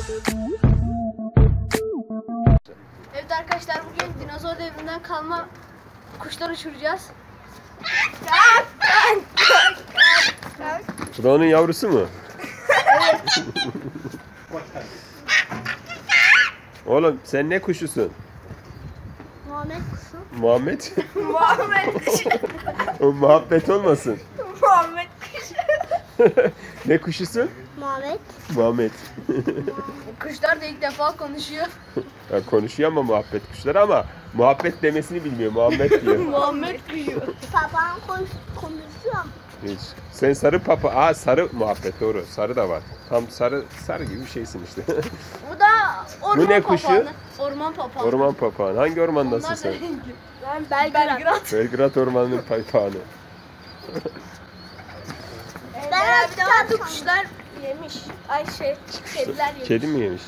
Evet arkadaşlar, bugün dinozor devrinden kalma kuşlar uçuracağız. Bu da onun yavrusu mu? Evet. Oğlum sen ne kuşusun? Muhammed kuşu. Muhammed? Muhammed kuşu. O muhabbet olmasın. Muhammed kuşu. Ne kuşusun? Muhammed. Muhammed. Kuşlar da ilk defa konuşuyor. Ya konuşuyor ama muhabbet kuşları, ama muhabbet demesini bilmiyor. Muhammed diyor. Muhammed kuşu. Babam konuşuyor. Hiç. Sen sarı papa. Aa, sarı muhabbet, doğru. Sarı da var. Tam sarı gibi bir şeysin işte. Bu da orman Bu ne kuşu? papağanı. Orman papağanı. Orman papağanı. Hangi ormandasın Onlar sen? da renkli. Ben Belgrad. Belgrad Ormanı'nın papağanı. Ben bir de kuşlar yemiş. Ay kediler yemiş. Kedi mi yemiş?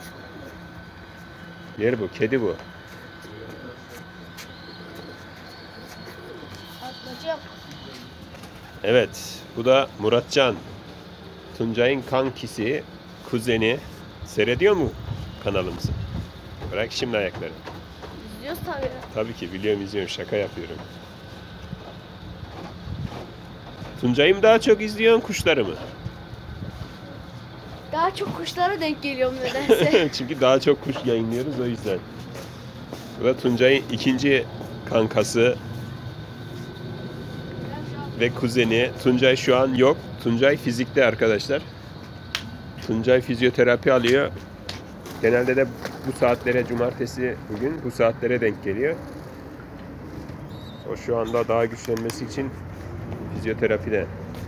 Yer bu. Kedi bu. Ablacığım. Evet. Bu da Muratcan. Tuncay'ın kankisi, kuzeni. Seyrediyor mu kanalımızı? Bırak şimdi ayakları. İzliyoruz tabii. Tabii ki biliyorum, izliyorum. Şaka yapıyorum. Tuncay'ı mı daha çok izliyorsun, kuşları mı? Daha çok kuşlara denk geliyorum nedense. Çünkü daha çok kuş yayınlıyoruz, o yüzden. Bu da Tuncay'ın ikinci kankası ve kuzeni. Tuncay şu an yok. Tuncay fizikte arkadaşlar. Tuncay fizyoterapi alıyor. Genelde de bu saatlere, cumartesi bugün bu saatlere denk geliyor. O şu anda daha güçlenmesi için fizyoterapide.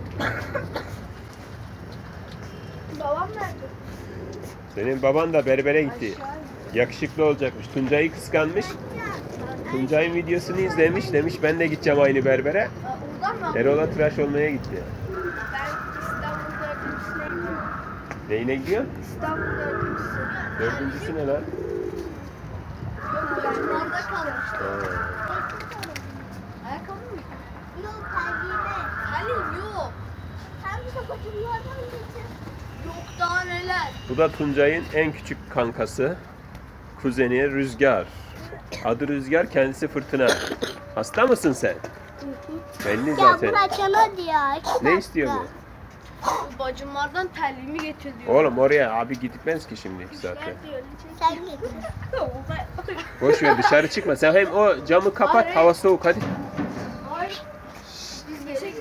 Babam nerede? Senin baban da berbere gitti. Yakışıklı olacakmış. Tuncay'ı kıskanmış. Tuncay'ın videosunu izlemiş. Demiş ben de gideceğim aynı berbere. Oradan mı? Erol'a tıraş olmaya gitti. Ben İstanbul'da ödümsüne gidiyorum. Neyine gidiyor? İstanbul'da ödümsüne. Dördüncüsü ne lan? Yok, ben orada kalmıştım. Ha. Ayakkabı mı? Yok kalbime. Halim yok. Sen bir sakatımlardan geçin. Yok daha neler. Bu da Tuncay'ın en küçük kankası. Kuzeni Rüzgar. Adı Rüzgar, kendisi Fırtına. Hasta mısın sen? Belli Ya zaten. bıraksana diyor. Ne istiyor bu? Bu bacımlardan terliğimi getir diyor. Oğlum oraya abi gitmez ki şimdi 2 saatte. Diyor. Sen git. Boş ver, dışarı çıkma. Sen hem o camı kapat, Hayır. hava soğuk, hadi. Hayır. Biz geçelim.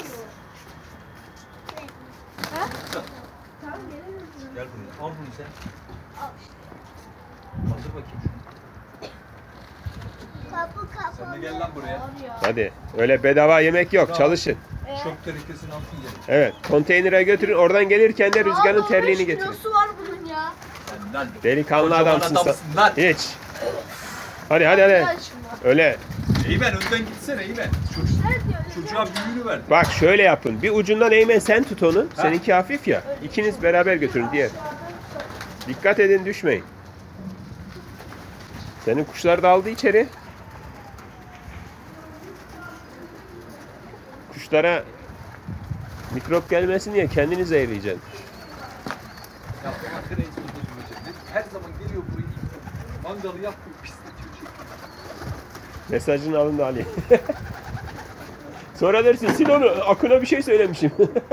Ha? Tamam gelelim. Gel buraya. Al bunu sen. Al işte. Kaldır bakayım şunu. Kapı Sen de kapalı. gel lan buraya. Abi ya. Hadi. Öyle bedava yemek yok, çalışın. Çöp tenekesini altın gelin. Evet, konteynere götürün. Oradan gelirken de Rüzgar'ın Aa, terliğini 15 getirin. kilosu var bunun ya. Sen lan. Delikanlı Kocaman adamsın sen. adamsın lan. Hiç. Hadi hadi hadi. Gel şuna. Öyle. Eymen önden gitsene Eymen. Çocuğa büyüğünü ver. Bak şöyle yapın. Bir ucundan Eymen sen tut onu. Seninki hafif ya. İkiniz beraber götürün diğer. Dikkat edin, düşmeyin. Senin kuşlar da aldı içeri. Kuşlara mikrop gelmesin diye kendini zehirleyeceksin. Ya bak en son götürecek. Her zaman geliyor buraya. Mangalı yapıyor. Pisletiyor. Mesajını alın da Ali. Sonra dersin sil onu. Akın'a bir şey söylemişim.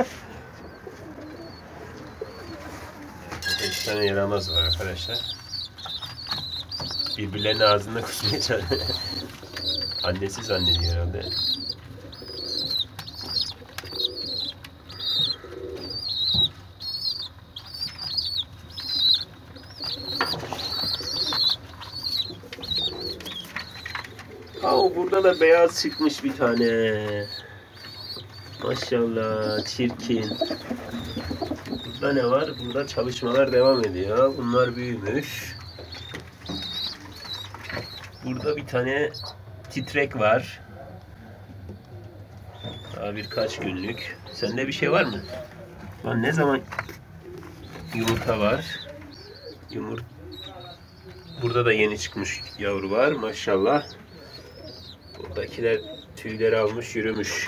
5 tane yaramaz var arkadaşlar. Birbirlerinin ağzında kusmaya çalışıyor. Annesi zannediyor herhalde. Burada da beyaz çıkmış bir tane. Maşallah, çirkin. Burada ne var? Burada çalışmalar devam ediyor. Bunlar büyümüş. Burada bir tane titrek var. Daha birkaç günlük. Sende bir şey var mı? Lan ne zaman yumurta var? Burada da yeni çıkmış yavru var. Maşallah. Buradakiler tüyleri almış, yürümüş.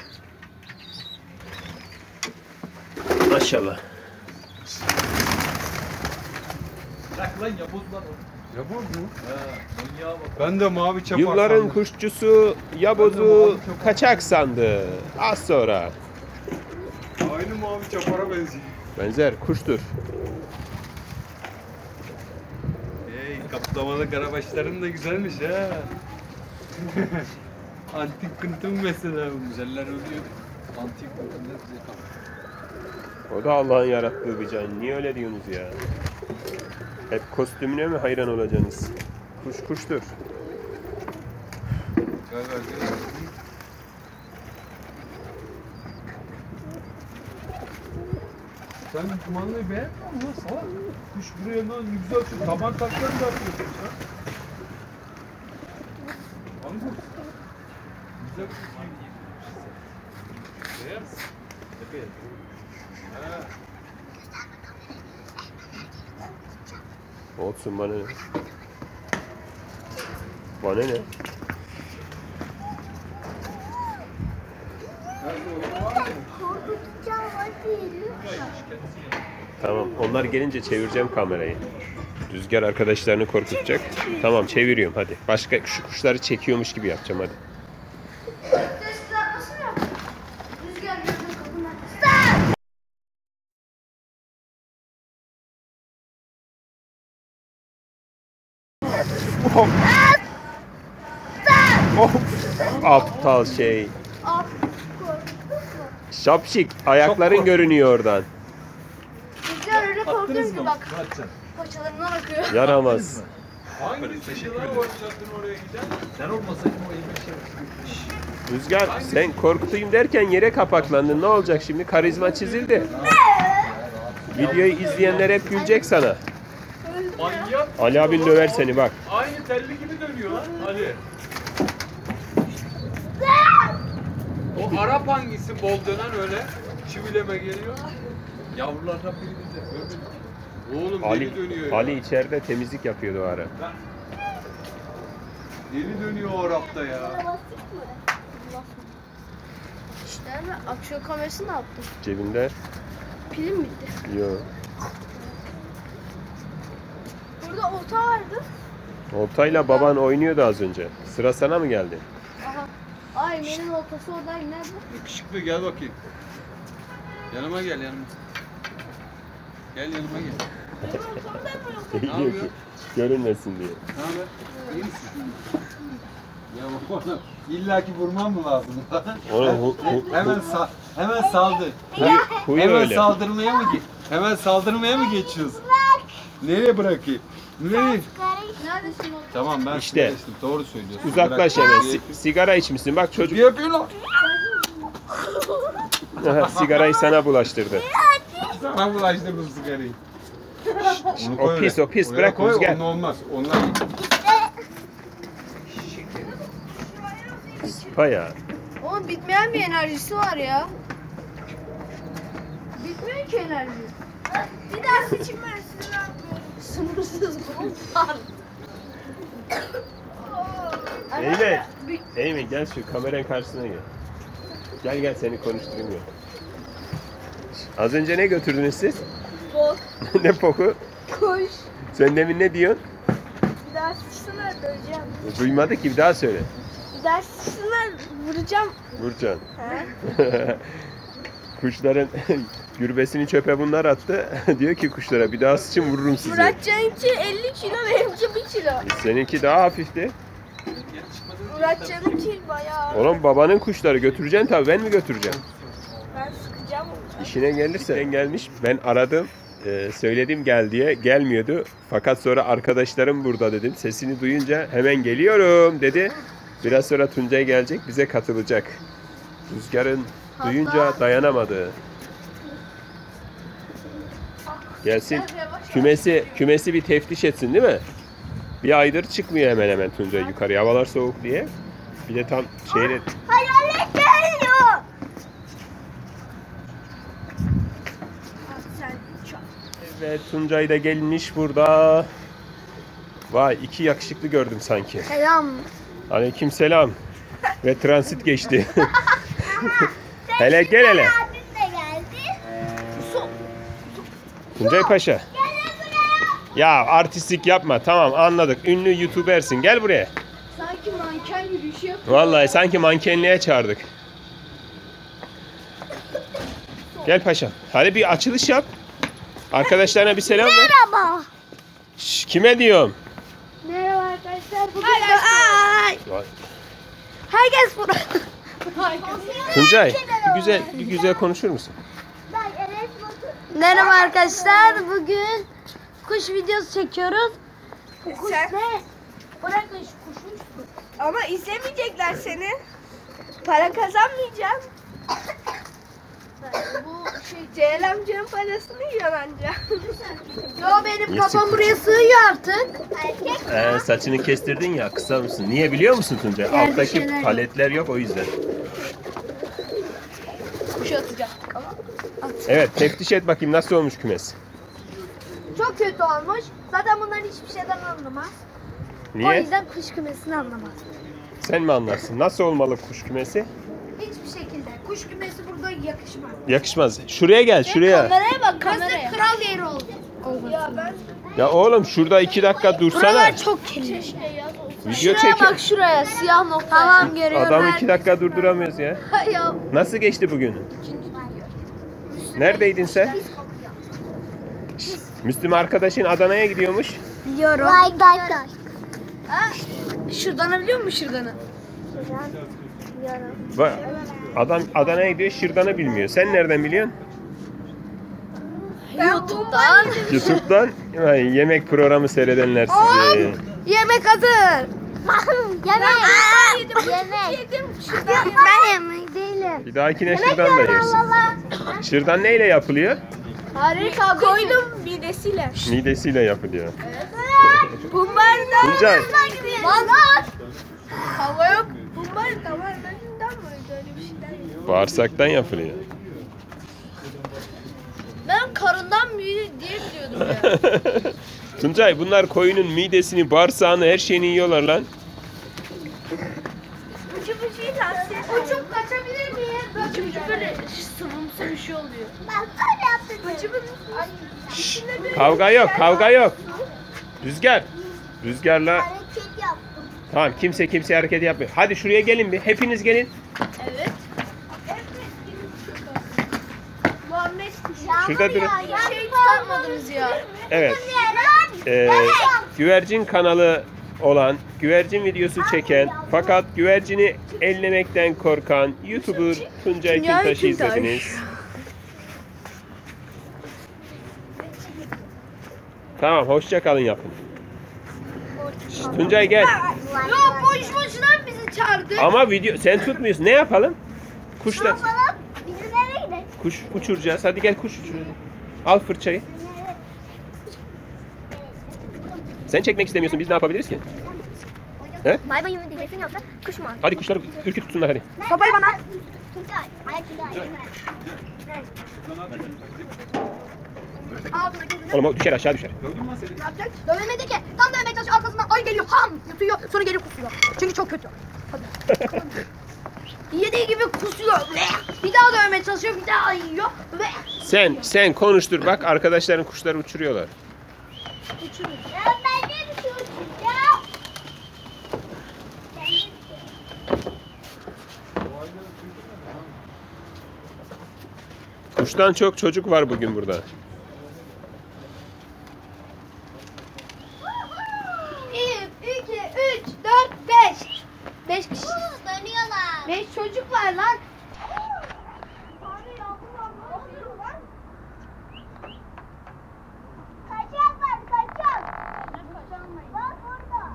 Maşallah. Bırak lan yaboz lan o. Yaboz mu? Ha, manyağa bak. Ben de mavi çapar Yılların sandım. kuşçusu yabozu kaçak sandı. Az sonra. Aynı mavi çapara benziyor. Benzer kuştur. Hey, kaplamalı karabaşların da güzelmiş ha. Antik kıntım mesela. Güzeller ölüyor. Antik bakımlar bize kalmış. O da Allah'ın yarattığı bir can. Niye öyle diyorsunuz ya? Hep kostümüne mi hayran olacaksınız? Kuş kuştur. Galiba sen kumandanı beğenmiyor musun lan salak? Kuş buraya lan ne güzel şu taban taklarını da atıyorsun sen. Angut. Güzel bir kuş gibi. Beyaz. Tepeye. Ha. Olsun bana ne? Bana ne? Korkutacağım hadi lütfen. Tamam. Onlar gelince çevireceğim kamerayı. Rüzgar arkadaşlarını korkutacak. Tamam çeviriyorum hadi. Başka şu kuşları çekiyormuş gibi yapacağım hadi. Rüzgar gözün kapına. Of! Aptal şey. Al. Korktun mu? Şapşik. Ayakların Çok görünüyor oradan. Rüzgar öyle korkuyor Attınız ki mı? bak. Muratcan. Paçalarından akıyor. Yaramaz. Hangisi kişiler başlattın oraya giden? Sen olmasaydın o elime şey. Rüzgar sen korkutayım derken yere kapaklandın. Ne olacak şimdi? Karizma çizildi. Videoyu izleyenler hep gülecek sana. Manyak. Ali abin döver seni bak. Aynı telli gibi dönüyor lan Ali. O Arap hangisi bol dönen öyle çivileme geliyor. Yavrulardan birini de görmedik. Oğlum Ali, deli dönüyor ya. Ali içeride temizlik yapıyordu o ara. Deli dönüyor o Arap'ta ya. Nerede? Aksiyon kamerası ne yaptın? Cebinde. Pilim bitti. Yok. Burada olta vardı. Oltayla baban oynuyordu az önce. Sıra sana mı geldi? Aha. Ay benim oltası oradaydı. Nerede? Yakışıklı gel bakayım. Yanıma gel yanıma. Gel yanıma gel. Diyor ki yapıyor? görünmesin diye. Ne haber? İyi misin? Ya bana illa ki vurmam mı lazım? Onu Hemen saldır. huyu Hemen öyle. saldırmaya mı Hemen saldırmaya mı geçiyorsun? Nereye bırakayım? Nereye? Neredesin olta? Tamam ben İşte. geçtim. Doğru söylüyorsun. Uzaklaş Bırak. hemen. Sigara içmişsin. Bak Ne çocuk yapıyor lan? sigarayı sana bulaştırdı. Sana bulaştırdım sigarayı. Onu O koy pis, öyle. o pis. Oraya Bırak koy, Rüzgar. onun olmaz. Onlar Sıpa ya. Oğlum bitmeyen bir enerjisi var ya. Bitmiyor ki enerji. Bir daha seçim versin ne yapıyorum? Sınırsız var. Eymen. Eymen gel şu kameranın karşısına gel. Gel gel seni konuşturayım ya. Az önce ne götürdünüz siz? Bol. Ne poku? Koş. Sen demin ne diyorsun? Bir daha sıçsınlar döveceğim. Duymadı ki bir daha söyle. Bir daha sıçsınlar vuracağım. Burcan. He? Kuşların gürbesini çöpe bunlar attı. Diyor ki kuşlara bir daha sıçın vururum sizi. Muratcan'ınki 50 kilo benimki 1 kilo. Seninki daha hafifti. Muratcan'ınki bayağı. Oğlum babanın kuşları götüreceksin tabii ben mi götüreceğim? Ben sıkacağım onu. İşine gelirse. Ben gelmiş ben aradım. Söyledim gel diye gelmiyordu. Fakat sonra arkadaşlarım burada dedim. Sesini duyunca hemen geliyorum dedi. Biraz sonra Tuncay gelecek bize katılacak. Rüzgar'ın duyunca dayanamadı. Gelsin kümesi bir teftiş etsin değil mi? Bir aydır çıkmıyor hemen hemen Tuncay yukarı. Havalar soğuk diye. Bir de tam şeyle Hayalet geliyor. Sen çok. evet Tuncay da gelmiş burada. Vay iki yakışıklı gördüm sanki. Selam. Aleykümselam. Ve transit geçti. Hele gel hele. Abim de geldi. Tuncay Paşa. Gel buraya. Ya artistlik yapma. Tamam anladık. Ünlü YouTuber'sin. Gel buraya. Sanki manken yürüyüşü yapıyor. Vallahi sanki mankenliğe çağırdık. Gel paşam. Hadi bir açılış yap. Arkadaşlarına bir selam ver. Merhaba. Şş, kime diyorum? Merhaba arkadaşlar. Bugün Herkes burada. Tuncay bir güzel konuşur musun? Merhaba arkadaşlar. Bugün kuş videosu çekiyoruz. Bu kuş Sen- ne? Bırakın şu kuşu. Ama izlemeyecekler seni. Para kazanmayacağım. Bu şey. Ceylan amcanın parasını yiyor anca. Yo benim Niye kafam sıkıntı? buraya sığıyor artık. Saçını kestirdin ya kısa mısın? Niye biliyor musun Tuncay? Yerde Alttaki şeyler yok. paletler yok o yüzden. Kuşu atacak ama. Evet teftiş et bakayım nasıl olmuş kümes. Çok kötü olmuş. Zaten bunlar hiçbir şeyden anlamaz. O Niye? yüzden kuş kümesini anlamaz. Sen mi anlarsın? Nasıl olmalı kuş kümesi? Hiçbir şekilde. Kuş kümesi burada yakışmaz. Yakışmaz. Şuraya gel şuraya. Kameraya bak Burası kameraya. kral yeri oldu. Ya ben Ya oğlum şurada 2 dakika dursana. Buralar çok kirli. Video şuraya çek. bak şuraya siyah nokta. Tamam görüyorum. Adamı 2 dakika durduramıyoruz ya. Ya. Nasıl geçti bugün? Neredeydin sen? Müslüm arkadaşın Adana'ya gidiyormuş. Biliyorum. Şırdanı biliyor musun şırdanı? Bak, adam Adana'ya gidiyor, Şırdan'ı bilmiyor. Sen nereden biliyorsun? YouTube'dan. YouTube'dan Ay, yemek programı seyredenler sizi. Yemek hazır. Yedim. Ben yemek değilim. Bir dahakine Şırdan da yersin. Şırdan neyle yapılıyor? Harika. Koydum midesiyle. Midesiyle yapılıyor. Bumbarda. Tuncay, Mangal. Hava yok. Bumbar damarlarından mı öyle bir şeyler yok. bağırsaktan yapılıyor. Ben karından büyüdü diye biliyordum ya. Tuncay, bunlar koyunun midesini, bağırsağını, her şeyini yiyorlar lan. Ucu bucuyu tavsiye ederim. Uçup kaçabilir miyim? Ucu bucu böyle sıvımsı bir şey oluyor. Ucu Kavga yok, kavga yok. Rüzgar. Rüzgarla tamam kimse hareket yapmıyor. Hadi şuraya gelin bir. Hepiniz gelin. Evet. Muhammed Şurada durun. şey tutmadınız ya. Evet. Güvercin kanalı olan, güvercin videosu çeken fakat güvercini ellemekten korkan YouTuber Tuncay Kintaş'ı izlediniz. Tamam, hoşça kalın yapın. Şşt, Tuncay gel. Ya boş boşuna bizi çağırdı. Ama video sen tutmuyorsun. Ne yapalım? Kuşlar. Bizim eve gidelim. Kuş uçuracağız. Hadi gel kuş uçur. Al fırçayı. Sen çekmek istemiyorsun. Biz ne yapabiliriz ki? He? Bay bay diyeceksin yoksa kuş mu? Hadi kuşları ürkütürsünler hadi. Sopayı bana. Oğlum o düşer aşağı düşer. Dövemedi ki. Tam dövmeye çalışıyor arkasından ay geliyor ham yatıyor sonra geliyor kusuyor. Çünkü çok kötü. Hadi. Yediği gibi kusuyor. Bir daha dövmeye çalışıyor bir daha yiyor. Sen konuştur. Bak arkadaşların kuşları uçuruyorlar. Ya ben de bir şey uçuracağım. Kuştan çok çocuk var bugün burada. 1, 2, 3, 4, 5. 5 kişi. Dönüyorlar. 5 çocuk var lan. Kaçak var kaçak. Bak orada.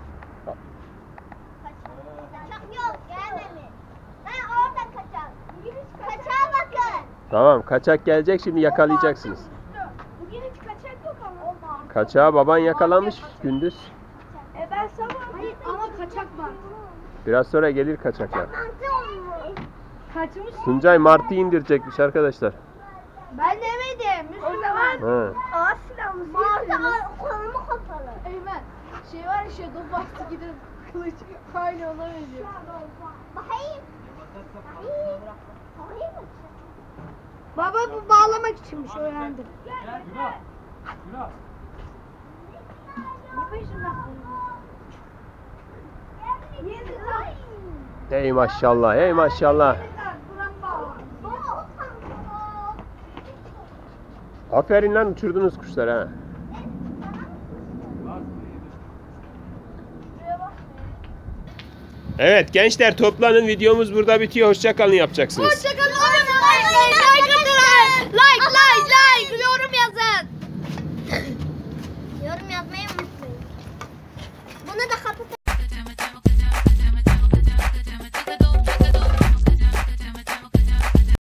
Kaçak yok gelmemiş. Ben orada kaçak. Kaçağa bakın. Tamam kaçak gelecek şimdi yakalayacaksınız. Bugün hiç kaçak yok ama. Kaçağı baban yakalamış gündüz. Ben sabah. Hayır ama kaçak var. Biraz sonra gelir kaçaklar. Kaçmış. Tuncay martı indirecekmiş arkadaşlar. Ben demedim. O zaman Ha. Ağız silahımız kolumu kapalı. Eymen. Şey var ya şey dur bastı gidin kılıç. Aynı ona benziyor. Bakayım. Baba bu bağlamak içinmiş öğrendim. Ey maşallah, ey maşallah. Aferin lan, uçurdunuz kuşlar ha. Evet gençler, toplanın, videomuz burada bitiyor. Hoşça kalın yapacaksınız. Hoşçakalın. Like, yorum